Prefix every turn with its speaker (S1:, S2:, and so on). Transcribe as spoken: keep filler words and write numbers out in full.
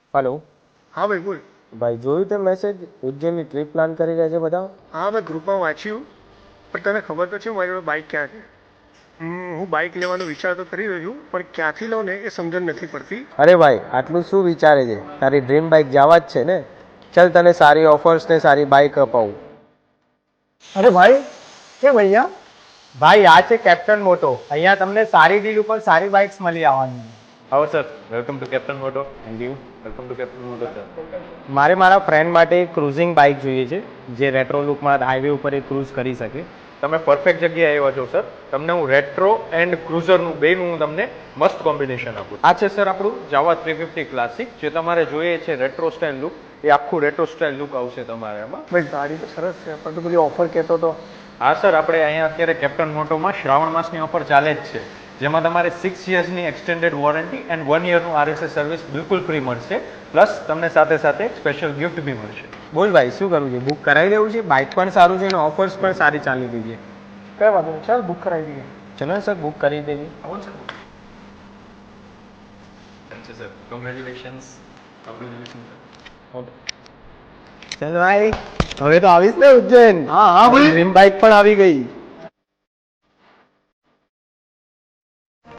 S1: Hello.
S2: हाँ भाई बोल।
S1: भाई જોયું તે મેસેજ ઉજ્જૈનની ટ્રીપ પ્લાન કરી રહ્યા છે બધા?
S2: હા મેં ગ્રુપમાં વાંચ્યું, પણ તને ખબર તો છે મારી જોડે બાઇક ક્યાં છે? હમ, હું બાઇક લેવાનો વિચાર તો કરી રહ્યો છું, પણ ક્યાંથી લઉં ને એ સમજણ નથી પડતી.
S1: અરે ભાઈ આટલું શું વિચારે છે? તારી ડ્રીમ બાઇક જવા જ છે ને. ચલ તને સારી ઓફર્સ ને સારી બાઇક અપાવું.
S3: અરે ભાઈ કે ભૈયા
S1: ભાઈ આ છે કેપ્ટન મોટો. અહીંયા તમને સારી ડીલ ઉપર સારી બાઇક્સ મળી આવવાની.
S4: આવો sir, welcome to Captain Moto. Thank you. Welcome to Captain Moto sir.
S1: મારે મારા ફ્રેન્ડ માટે એક ક્રુઝિંગ બાઇક જોઈએ છે જે રેટ્રો લુકમાં હાઈવે ઉપર એ ક્રૂઝ કરી શકે.
S4: તમે પરફેક્ટ જગ્યાએ આવ્યા છો સર. તમને હું રેટ્રો એન્ડ ક્રુઝરનું બેનું હું તમને મસ્ત કોમ્બિનેશન આપું. આ છે સર આપણું જાવા થ્રી ફિફ્ટી ક્લાસિક. જે તમારે જોઈએ છે રેટ્રો સ્ટાઇલ લુક, એ આખું રેટ્રો સ્ટાઇલ લુક આવશે તમારે એમાં.
S2: ભાઈ ગાડી તો સરસ છે, પણ તું પેલી ઓફર કહેતો તો.
S4: હા સર, આપણે અહીંયા અત્યારે કેપ્ટન મોટોમાં શ્રાવણ માસની ઓફર ચાલે જ છે, જેમાં તમારે સિક્સ યર્સની એક્સટેન્ડેડ વોરંટી એન્ડ વન યરનું આરએસએસ સર્વિસ બિલકુલ ફ્રી મળશે. પ્લસ તમને સાથે સાથે સ્પેશિયલ ગિફ્ટ બી મળશે.
S1: બોલ ભાઈ શું કરવું છે? બુક કરાવી દેવું છે? બાઇક પણ સારું છે અને ઓફર્સ પણ સારી ચાલી રહી છે.
S2: કઈ વાંધો નહીં, ચાલ બુક કરાવી દઈએ.
S1: ચલો ને સર બુક કરી દેવી.
S4: Sir congratulations.
S1: ચાલ ભાઈ હવે તો આવીશ ને ઉજ્જૈન.
S3: હા હા ભાઈ
S1: ડ્રીમ બાઇક પણ આવી ગઈ.